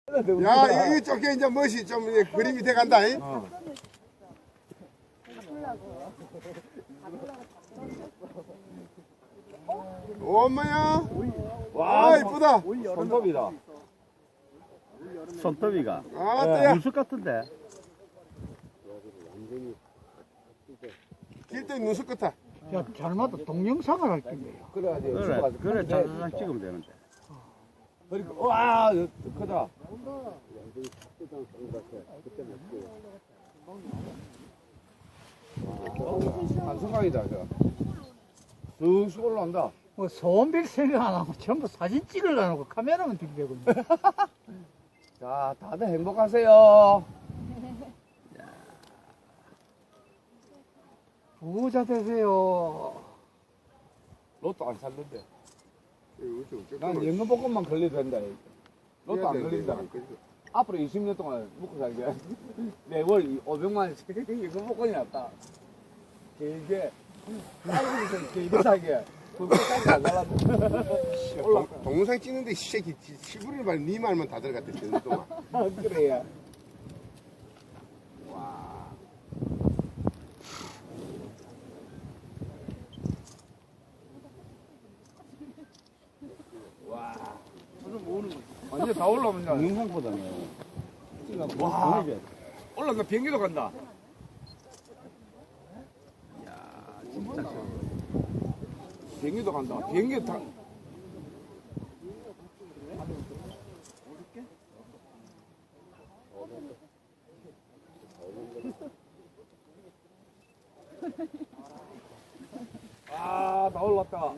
야, 여기 쪽에 이제 멋이 좀 이제 그림이 돼 간다. 엄마야. 와, 이쁘다. 손톱이다. 손톱이가. 아, 또야. 물속 같은데. 길도 눈썹 같아. 야, 잘못도 동영상을 할 텐데. 그래, 자주장 찍으면 되는데. 그리고 와 크다. 한성강이다 저. 쑥쑥 올라온다. 뭐 소원빌 생각 안 하고 전부 사진 찍으려고 카메라만 들고 있네. 자 다들 행복하세요. 부자 되세요. 로또 안 샀는데. 난 연금복권만 걸려도 된다. 로또 안 걸린다. 앞으로 20년 동안 먹고 살게. 매월 500만 원씩 연금복권이 났다. 길게 하루에서 길게 살게. 그거까지 안 살았는데. 동영상 찍는데 이 새끼 시부리는 말, 네 말만 다 들어갔대, 저 동안. 그래야. 완전 다 올라오면 동영상보다는. 와. 올라가 비행기도 간다. 진짜 좋아. 비행기도 간다. 비행기 타. 아, 다 올랐다.